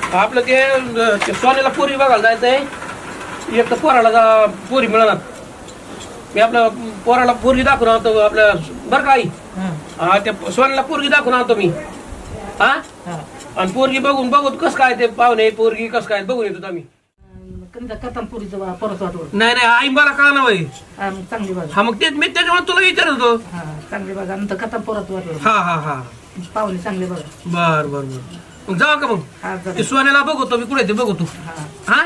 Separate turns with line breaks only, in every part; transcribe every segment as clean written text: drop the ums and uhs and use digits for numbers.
आपलं ते सोन्याला पोरी बघायला जायचंय. एक तर पोराला पोरी मिळणार. मी आपल्या पोराला पोरगी दाखवून आणतो आपल्या बरं का आई. हा त्या सोन्याला पोरगी दाखवून आणतो मी. हा आणि पोरगी बघून कस काय ते पाहुणे पोरगी कस काय बघून येतो आम्ही. नाही नाही आई मला का ना
चांगली बाजू.
हा मग तेच मी त्याच्यामुळे तुला विचारत होतो.
चांगली बाजू नंतर कथा परत वाटलं.
हा
पाहुणे चांगले बघा.
बर बर बर मग जाऊ का मग ते सोन्याला बघतो मी कुठे ते बघतो. हा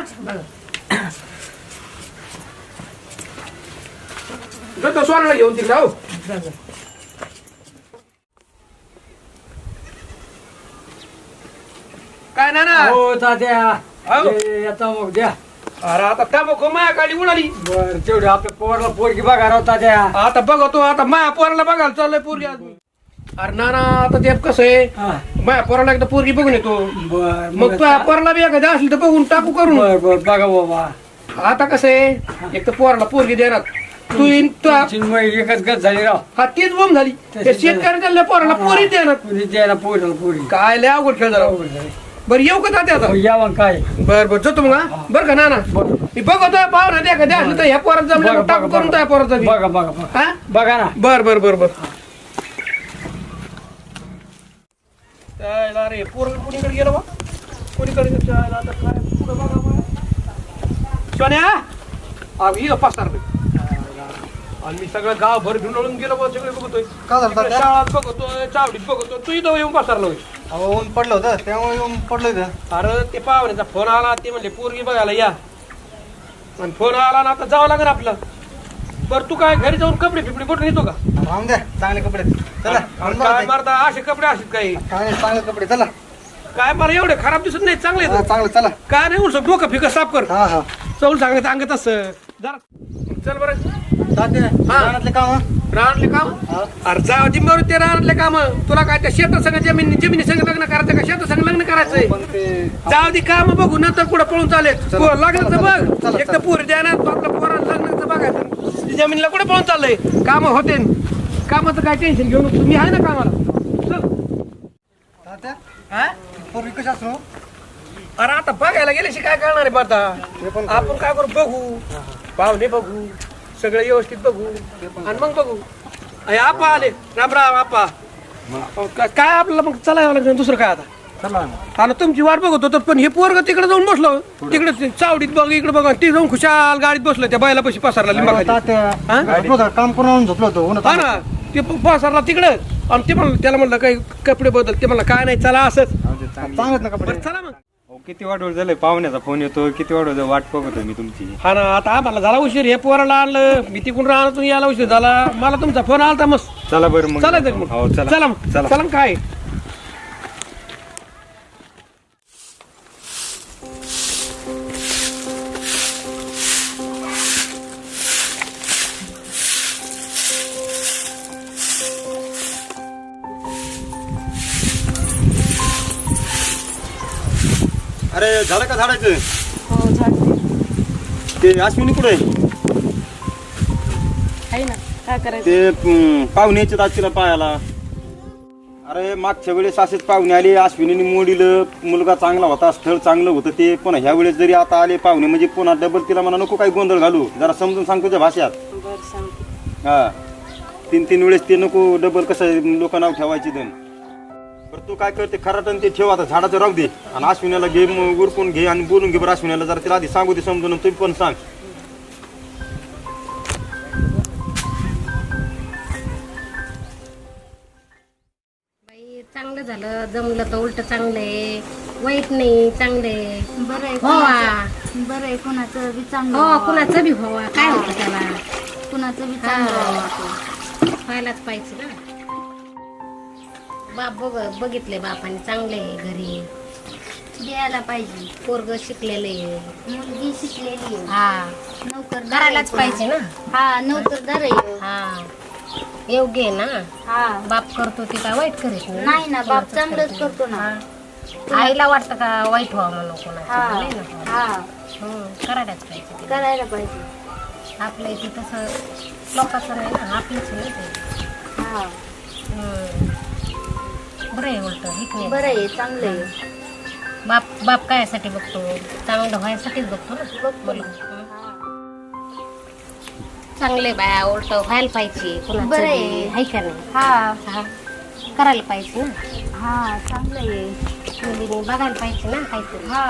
बघा सोन्याला घेऊन तिकडे हो. काय ना
हो तात्या आता मग द्या.
अरे आता त्या माया काढली उडाली.
बर तेवढे आपल्या पोराला पोरगी बघा राव तात्या.
आता बघतो आता माया पोराला बघायला चाललंय पोरगी आज. अरे नाना आता ते कसं आहे माया पोराला एकदा पोरगी बघून येतो.
बर
मग तुझ्या पोराला बी एखादी असली तर बघून टाकू करून.
बर बघा बाबा.
आता कसं आहे एक तर पोराला पोरगी देणार तू
एकच गत झाली राव.
हा तीच बोंब झाली. शेतकऱ्याच्या पोराला पोरी देणार
द्यायला पोरीला पोरी
काय लय अवघड खेळ झाला. बरं येऊ का तात्या आता.
या मग काय.
बर जातो मग. बरं का नाना मी बघतो पाहुणा द्या का द्या असलं तर ह्या पोरात जमलं टाकू करून त्या पोराचा
बघा बघा
हा
बघा ना.
बर अरे पोरग कोणीकडे गेलो बा कोणीकडे आता काय पुढं बघा सोन्या ही पाच आणि मी सगळं गाव भर ढुंढळून गेलो बा सगळे बघतोय. शाळात बघतोय चावडीत बघतोय तू इथं येऊन पसरलो.
ऊन पडलं होतं त्यामुळे येऊन पडलं होतं.
अरे ते पाहुण्याचा फोन आला ते म्हणले पोरगी बघायला या आणि फोन आला ना आता जावं लागेल आपलं. बरं तू काय घरी जाऊन कपडे फिपडे कुठून येतो का.
राहून द्या चांगले कपडे. चला
काय मारता असे कपडे असतात काही
काय चांगले कपडे. चला
काय मला एवढे खराब दिसत नाही चांगले
चांगलं चला.
काय नाही उलट डोकं फिकं साफ कर.
हा
चौल सांगत अंगत असं जरा चल बरं.
रानातले काम
रानातले काम अरे जाऊ दे बरं ते रानातले काम. तुला काय त्या शेता संग जमिनी संग लग्न करायचं का शेता संग लग्न करायचंय.
पण ते
जाऊ दे काम बघू नंतर कुठं पळून चालेल. लग्नाचं बघ एक तर पोरी द्याना तू आपल्या पोराला लग्नाचं बघायचं. जमिनीला कुठे पळून चाललंय काम होते. कामाचं काय टेन्शन घेऊन तुम्ही आहे ना कामाला. चल
पूर्वी कशा असतो.
अरे आता बघायला गेल्याशी काय करणार आहे आता. आपण काय करू बघू पाहुणे बघू सगळं व्यवस्थित बघू आणि मग बघू. आपा आले रामराम आपा. काय आपल्याला मग चलायला लागेल दुसरं काय आता. चला तुमची वाट बघत होतो पण हे पोरग तिकडे जाऊन बसलो तिकडे चावडीत बघ इकडे बघा ती जाऊन खुशाल गाडीत बसलो त्या बैला पशी पसारला लिंबा
काम करून झोपलो होतो.
हा ना ते पसारला तिकडं आणि ते म्हणलं त्याला म्हणलं काही कपडे बदल ते म्हणलं काय नाही चला असंच
चांगलं ना कपडे.
चला मग.
किती वाट झालंय पाहुण्याचा फोन येतो. किती वाट बघतोय मी तुमची.
हा ना आता आम्हाला झाला उशीर. हे पोराला आणलं मी तिकडून राहणार यायला उशीर झाला. मला तुमचा फोन आला मस्त.
चला बरं मग
चालायचं मग.
हो चला
चला मग चला मग काय.
अरे झालं का झाडायचं.
हो झाड
ते अश्विनी कुठे
आहे ना. काय करायचं
ते पाहुण्याचे आजच्या पायाला. अरे मागच्या वेळेस असेच पाहुणे आले अश्विनीने मोडीलं. मुलगा चांगला होता स्थळ चांगलं होतं ते. पण ह्या वेळेस जरी आता आले पाहुणे म्हणजे पुन्हा डबल तिला म्हणा नको काही गोंधळ घालू. जरा समजून सांग तुझ्या भाषात. हा 3 वेळेस ते नको डबल कसं लोक नाव ठेवायची दन. बरं तू काय करते खराटन ते ठेव आता झाडाचं राहू दे आणि अश्विनीला घे उरकून घे आणि बोलून घे. बरं अश्विनीला जरा तिला आधी सांगू दे समजून तुम्ही पण सांग.
चांगलं झालं जमलं तर उलट चांगलंय वाईट नाही चांगलंय.
बरं आहे बरं आहे. कुणाचं बी चांगलं
हो कुणाचं बी व्हावा काय होतं त्याला.
कुणाचं बी चांगलं
व्हायलाच पाहिजे ना. बाप बघितले बापाने चांगले घरी
द्यायला पाहिजे.
पोरग शिकलेले
मुलगी शिकलेली आहे.
हा
नोकर
करायलाच पाहिजे ना.
हा नोकरदार आहे.
हा योग्य आहे ना.
हा
बाप करतो ते काय वाईट करीत
नाही ना. बाप चांगलंच करतो ना.
आईला वाटतं का वाईट व्हावं म्हणून
हा
कोणाचं.
हा
करायलाच पाहिजे.
करायला पाहिजे.
आपल्या इथे तसं लोकांचं नाही ना आपलीच नाही ते.
हा
बरं आहे उलट
बरं आहे चांगलं आहे.
बाप कायसाठी बघतो चांगलं व्हायसाठीच बघतो ना मुलं. चांगले बाया उलट व्हायला पाहिजे कुणाचं
बरं आहे.
बी, हाय का नाही?
हा
करायला पाहिजे ना
हा चांगलं आहे.
मुलीने बघायला पाहिजे ना काहीतरी.
हा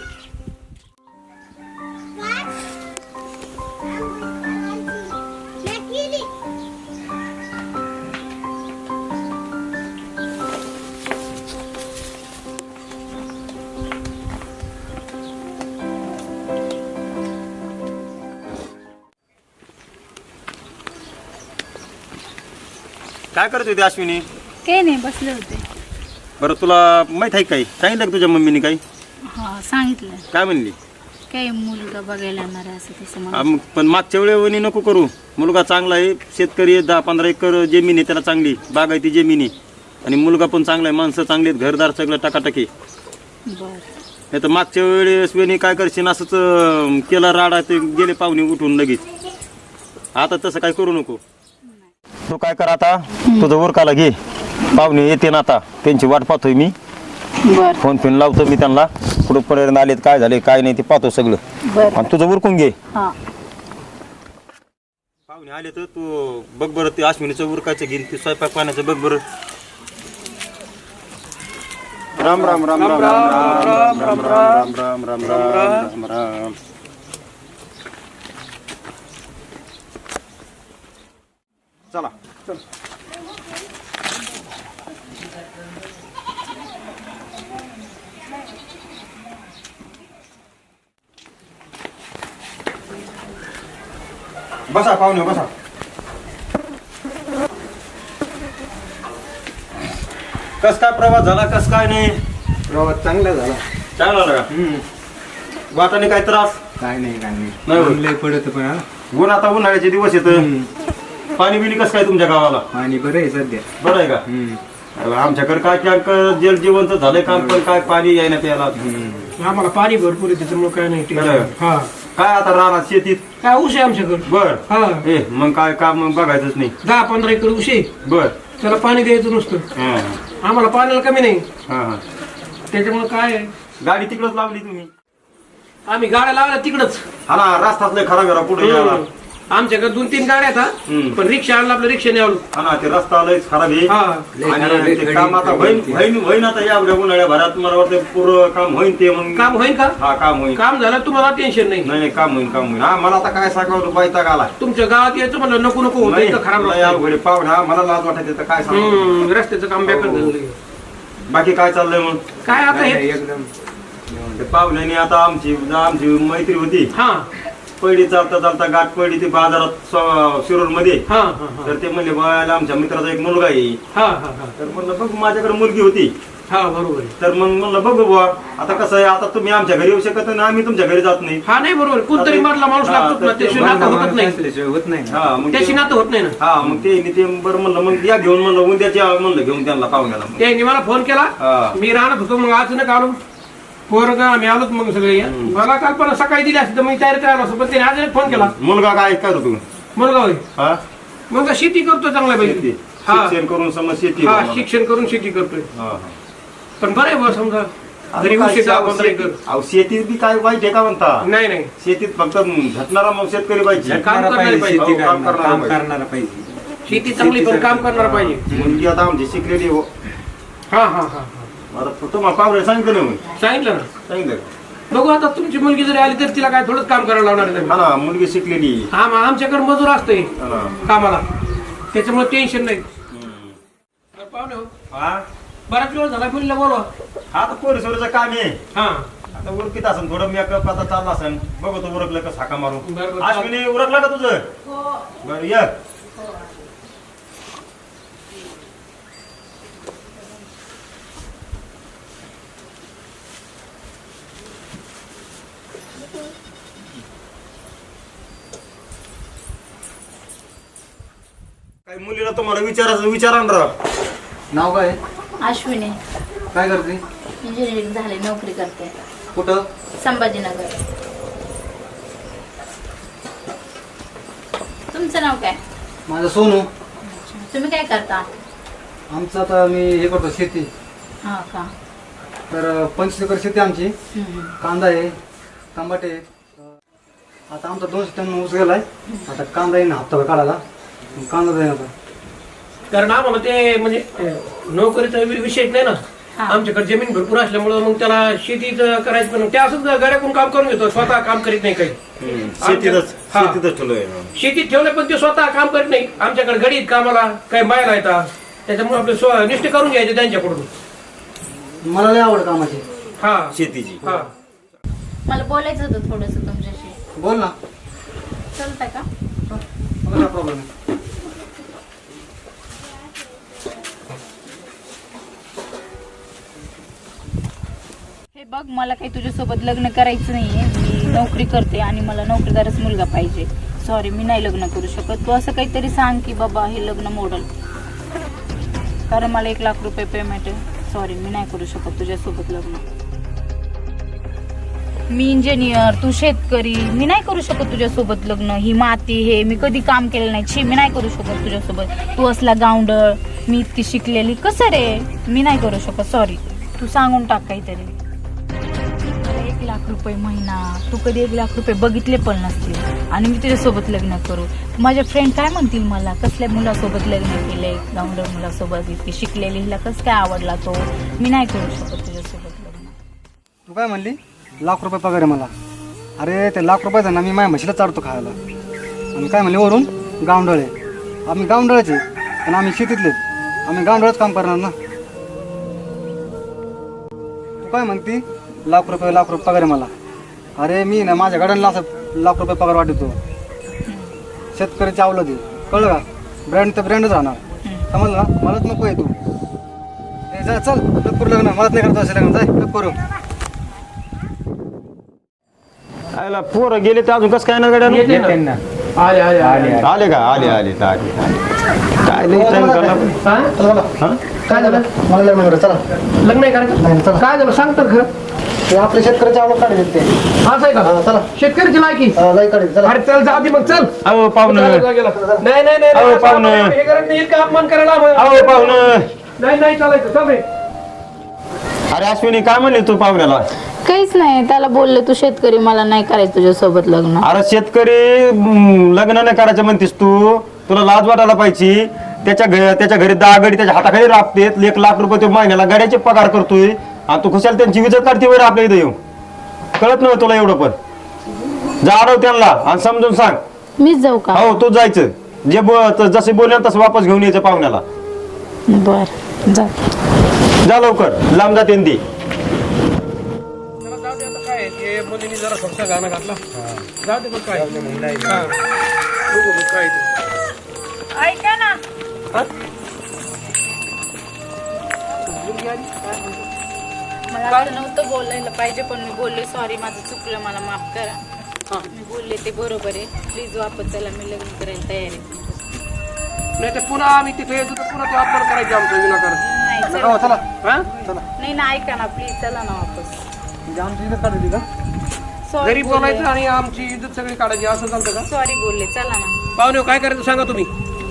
काय करत होती अश्विनी?
काही नाही बसले होते.
बरं तुला माहित आहे काही सांगितलं का तुझ्या मम्मीने काही?
हा सांगितलं
काय म्हणली?
काही मुलगा बघायला येणार आहे असं तसं म्हणून.
मग पण मागच्या वेळेवणी नको करू. मुलगा चांगला आहे, शेतकरी आहे, 10-15 एकर जमीन आहे त्याला, चांगली बागायती जमीन आहे आणि मुलगा पण चांगला आहे, माणसं चांगली आहेत, घरदार सगळं टकाटकी.
बरं
नाही तर मागच्या वेळेस वेणी काय करशील असंच केला राडा, ते गेले पाहुणे उठून लगेच. आता तसं काय करू नको. तू काय कर आता, तुझं उरकाला घे, पाहुणे येते ना आता, त्यांची वाट पाहतोय मी.
बरं
फोन फिन लावतो मी त्यांना, कुठपर्यंत आलेत, काय झाले काय नाही ते पाहतो सगळं.
बरं
आणि तुझं उरकून घे.
हा
पाहुणे आले तर तू बघ बरं, ते अश्विनीचं उरकायचं घेईन, ते स्वयंपाक पाण्याचं बघ बरं. राम राम राम राम राम राम राम राम राम राम राम राम. चला बसा पाहुणे बसा. कस काय प्रवास झाला, कस काय नाही?
प्रवास चांगला झाला.
चांगला झाला का? वाटाने काय त्रास
काय नाही
नाही होत.
लय पडत पण हा.
ऊन आता उन्हाळ्याचे दिवस येत. पाणी बिणी कसं काय तुमच्या गावाला?
पाणी बरं आहे सध्या.
बरं आहे का? आमच्याकडे काय काय जल जीवनच झालंय काम, पण काय पाणी यायला प्यायला.
आम्हाला पाणी भरपूर आहे त्याच्यामुळे काय नाही
बरं.
tension. हा
काय आता राहणार शेतीत?
काय ऊस आहे आमच्याकडे.
बर
हा
मग काय काम बघायचंच नाही.
10-15 एकर ऊस आहे,
बर
त्याला पाणी द्यायचं नुसतं.
हा
आम्हाला पाण्याला कमी नाही,
हा हा.
त्याच्यामुळे काय आहे,
गाडी तिकडच लावली तुम्ही?
आम्ही गाड्या लावल्या तिकडच.
हा ना, रस्ताच लय खराब आहे पुढे यायला.
आमच्याकडे 2-3 गाड्या आहेत
हम्म.
हा. पण रिक्षा आणला आपल्या रिक्षाने आलो.
हा ना, ते रस्ता लयच खराब आहे.
हा
आणि ते काम आता होईन आता या उन्हाळ्या भरात मला वाटतं पूर्ण काम होईन ते. मग
काम होईल का?
हा काम होईल.
काम झालं तुम्हाला टेन्शन नाही.
नाही नाही काम होईल काम होईल. हा मला आता काय सांगावं बायता आला.
तुमच्या गावात यायचं म्हणलं नको नको होतं, इथं खराब
नाही
रस्ता आहे.
अवघड पाहुणे, हा मला लाज वाटत तर काय सांग.
रस्त्याचं काम बेकार झालं.
बाकी काय चाललंय मग?
काय आता हे
एकदम
ते पाहुण्याने आता आमची मैत्री होती,
हा
पहिली चालता चालता गाठ पडली ती बाजारात शिरूर मध्ये.
हा हा हा
तर ते म्हणले बाळाला आमच्या मित्राचा एक मुलगा आहे.
हा हा हा
तर म्हणलं बघ माझ्याकडे मुलगी होती.
हा बरोबर आहे.
तर मग म्हणलं बघू बुवा, आता कसं आहे, आता तुम्ही आमच्या घरी येऊ शकत नाही, आम्ही तुमच्या घरी जात नाही.
हा नाही बरोबर, कोणतरी मधला माणूस
हा,
लागतो ना,
तर
त्याशी
ते
नातं
माणूस
होत नाही.
असल्याशिवाय होत नाही ना.
हा मग
त्याशी
ते-
नातं होत नाही ना.
हा मग ते बरं म्हणलं मग या घेऊन म्हणलं उद्याच्या म्हणलं घेऊन त्यांना पाहुण्याला.
त्यांनी मला फोन केला,
हा.
मी राहणार होतो, मग अचानक आलो. पोरं आम्ही आलोच मग सगळे. मला कल्पना सकाळी दिली असती तर मी तयारी करायला असतो, पण त्याने अचानक फोन केला.
मुलगा काय करतो तू?
मुलगा होय,
हा
मुलगा शेती करतो चांगल्या
शेती
पाहिजे. हा
शिक्षण करून समज शेती.
हा
बघा.
शिक्षण करून शेती करतोय.
हा, हा.
पण बरं आहे बा, समजा घरी
अहो,
उशीर
काय
15 एकर.
अहो, शेतीत बी काय वाईट आहे का म्हणता?
नाही नाही,
शेतीत फक्त झटणारा मग शेतकरी पाहिजे.
काम करणारे पाहिजे.
शेती
हो, काम
करणारा,
करणारा
काम
पाहिजे.
करणारा पाहिजे.
शेती चांगली पण काम करणार पाहिजे.
मुलगी आता आमची शिकलेली हो.
हा हा हा
आता तुम्हाला पाहुणे सांगितलं ना मग.
सांगितलं ना.
सांगितलं.
बघू आता तुमची मुलगी जरी आली तर तिला काय थोडंच काम करायला लावणार आहे.
हा ना, मुलगी शिकलेली.
हा मग आमच्याकडे मजूर असते
हा ना.
कामाला, त्याच्यामुळे टेन्शन नाही. पाहुणे हो,
हा
बराच वेळ झाला, मुलीला बोलवा.
हा तर पोरीसोरीचं काम आहे.
हा
आता उरकीत असेल थोडं मेकअप आता चालला असेल. बघू तू उरकलं का साका मारू.
बरं.
अश्विनी उरकलं का तुझं? बरं ये. काही मुलीला तुम्हाला विचारा ना राव.
नाव काय?
अश्विनी
काय करते?
इंजिनिअरिंग झाले, नोकरी करते
कुठं?
संभाजीनगर. तुमचं नाव काय?
माझं सोनू.
तुम्ही काय करता?
आमचं आता मी हे करतो शेती.
हा का.
तर 25 एकर शेती आमची. कांदा आहे, टमाटे आहे. आता आमचा 200 टन ऊस गेलाय. आता कांदा येईन हप्ता काढायला. कांदा जाईन आता.
कारण आम्हाला ते म्हणजे नोकरीचा विषयच नाही ना. आमच्याकडे जमीन भरपूर असल्यामुळं मग त्याला शेतीच करायचं पण ते असंच गड्याकडून काम करून घेतो, स्वतः काम करीत नाही काही.
शेतीतच ठेवलंय.
शेतीत ठेवलं पण ते स्वतः काम करीत नाही. आमच्याकडे गडीत कामाला काही बायला येतात, त्याच्यामुळे आपले निष्ठ करून घ्यायचे त्यांच्याकडून.
मला लय आवड कामाची.
हा
शेतीची.
हा
मला बोलायचं होतं थोडस तुमच्याशी.
बोल ना.
चालतंय का?
मला काय प्रॉब्लेम आहे.
हे बघ, मला काही तुझ्यासोबत लग्न करायचं नाहीये. मी नोकरी करते आणि मला नोकरीदारच मुलगा पाहिजे. सॉरी, मी नाही लग्न करू शकत. तू असं काहीतरी सांग की बाबा हे लग्न मोडल, कारण मला 1 लाख रुपये पेमेंट आहे. सॉरी, मी नाही करू शकत तुझ्यासोबत लग्न. मी इंजिनियर, तू शेतकरी, मी नाही करू शकत तुझ्यासोबत लग्न. ही माती हे मी कधी काम केलं नाही. छी, मी नाही करू शकत तुझ्यासोबत. तू असला गावंडळ, मी इतकी शिकलेली, कसं रे? मी नाही करू शकत. सॉरी, तू सांगून टाक काहीतरी. 1 लाख रुपये महिना, तू कधी 1 लाख रुपये बघितले पण नसतील आणि मी तुझ्यासोबत लग्न करू. माझ्या फ्रेंड काय म्हणतील मला, कसल्या मुलासोबत लग्न केलंय, गावंडळ मुलासोबत, इतकी शिकलेली, हिला कसं काय आवडला तो. मी नाही करू शकत तुझ्यासोबत लग्न.
तू काय म्हणली? 1 लाख रुपये पगार आहे मला. अरे ते 1 लाख रुपयाचा ना मी माझ्या म्हशीला चारतो खायला. आणि काय म्हणले वरून गावंडळ आहे. आम्ही गावंडळच आहे पण आम्ही शेतीतले. आम्ही गावंडळच काम करणार ना. तू काय म्हणती? 1 लाख रुपये पगार आहे मला. अरे मी ना माझ्या गाड्यांना असं 1 लाख रुपये पगार वाटतो. शेतकऱ्याची आवलं दे, कळलं का? ब्रँड तर ब्रँडच राहणार. समजलं ना? मलाच नको आहे तू. जा चल, करू लग्न. मलाच नाही करतो असं लग्न. जाय करू.
आयला पोरं गेले तर अजून कसं काय ना गड्या?
येते ना. आले आले आले
आले का? आले आले आले. काय नाही time काढला.
हा? काय झालं?
मला लग्न करा. चला.
लग्न नाही करायचं?
नाही, चला.
काय झालं सांग तर खरं.
ते आपल्या शेतकऱ्याची आवड काढायची ते.
असं आहे का?
चला.
शेतकऱ्याची लायकी.
लय काढायची. चला.
अरे चल जाऊ दे मग, चल.
अहो पाहुणं.
नाही नाही नाही
अहो,
नाही,
पाहुणं.
हे करत नाही, इतका अपमान करायला
अहो पाहुणं.
नाही नाही चालायचं. चल रे.
अरे अश्विनी काय म्हणली तू पाहुण्याला?
काहीच नाही, त्याला बोलले तू शेतकरी, मला नाही करायचं तुझ्यासोबत लग्न.
अरे शेतकरी लग्न नाही करायचं म्हणतेस तू? तुला लाज वाटायला पाहिजे. त्याच्या घरी 10 गडी त्याच्या हाताखाली राबतेत. 1 लाख रुपये तो महिन्याला गाड्याचे पगार करतोय आणि तू खुशाल त्यांची विजत काढते वेळ आपल्या इथं येऊन. कळत नाही तुला एवढं पण? जाणव त्यांना आणि समजून सांग.
मीच जाऊ का?
हो तू जायचं. जसे बोलले तसं वापस घेऊन यायचं पाहुण्याला.
बर जा.
जा लवकर, लांब जाते ती.
चला जाऊ दे आता. काय ते मुलीने जरा फक्त गाणं घातला. जाऊ दे मग काय. हा. बघू मग काय ते.
ऐका ना,
हा?
मला असं नव्हतं बोलायला पाहिजे पण मी बोलले. सॉरी, माझं चुकलं, मला माफ करा. मी बोलले ते बरोबर आहे. प्लीज वापस चला, मी लग्न करायला तयार आहे.
नाही तर पुन्हा आम्ही तिथे येतो तर पुन्हा तो अपमान करायचे आमचं विनाकारण.
नाही
हो, चला.
हा?
नाही ना, ऐका ना प्लीज, चला ना वापस.
म्हणजे आमची इज्जत काढली का?
सॉरी
घरी बोलायचं आणि आमची इज्जत सगळी काढायची असं चालतं का?
सॉरी बोलले, चला ना.
पाहुणे काय करायचं सांगा तुम्ही.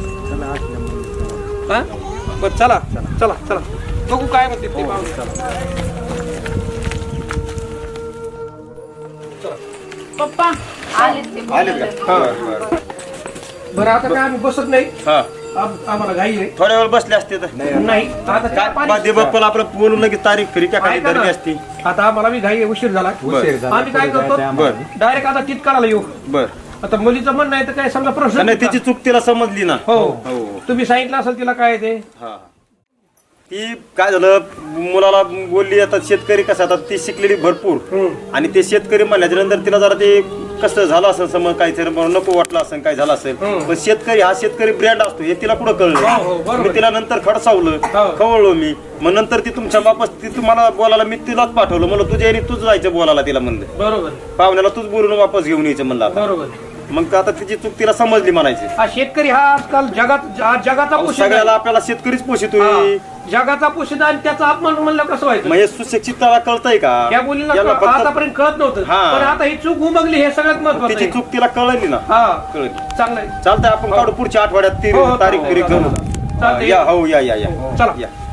हा? बरं चला चला चला बघू काय म्हणते ते पाहुणे.
पप्पा आले ते बोलायला.
बरं आता काय आम्ही बसत नाही.
हा.
आम्हाला घाई आहे.
थोड्या वेळ बसले असते तर
नाही आता काय पाणी-
बाप्पाला आपलं बोलून लगेच तारीख खरी काय
ऐका ना.
धरली असती.
आता आम्हाला मी घाई आहे, उशीर झाला. आम्ही काय करतो
बर
डायरेक्ट आता तितकाला येऊ.
बर.
आता मुलीचं म्हणणं आहे तर काय समजा प्रश्न
नाही तिची चूक तिला समजली ना.
हो
हो.
तुम्ही सांगितलं असेल तिला काय ते.
हा. ती काय झालं मुलाला बोलली. आता शेतकरी कसं आता ती शिकलेली भरपूर आणि ते शेतकरी म्हणल्याच्या नंतर तिला जरा ते कसं झालं असेल समज काहीतरी नको वाटलं असेल काय झालं असेल. पण शेतकरी हा शेतकरी ब्रँड असतो हे तिला कुठं
हो, हो,
कळलं.
बरोबर.
मी तिला नंतर खडसावलं खवळलो मी. मग नंतर ती तुमच्या बापास ती तुम्हाला बोलायला मी तिलाच पाठवलं. मला तुझ्या आणि तूच जायचं बोलायला तिला म्हणलं.
बरोबर
पाहुण्याला तूच बोलून वापस घेऊन यायचं म्हणलं आता.
बरोबर.
मग आता तिची चूक तिला समजली म्हणायची.
हा शेतकरी हा आजकाल जगाचा पोशिंदा
सगळ्याला
आहे.
आपल्याला शेतकरीच पोषितोय.
हा, जगाचा पोशिंदा आणि त्याचा अपमान म्हणलं कसं व्हायचं.
म्हणजे सुशिक्षिताला कळतंय का?
या मुलीला
याला फक्त
आतापर्यंत कळत नव्हतं.
हा.
पण आता ही चूक उमगली हे सगळ्यात महत्वाचं
तिची
आहे.
चूक तिला कळली ना.
हा
कळली.
चांगलंय.
चालतंय आपण काढू पुढच्या आठवड्यात ती
हो, हो,
तारीख
हो,
फिरी
हो,
करू.
चालतंय.
या हो या या या
चला.
या.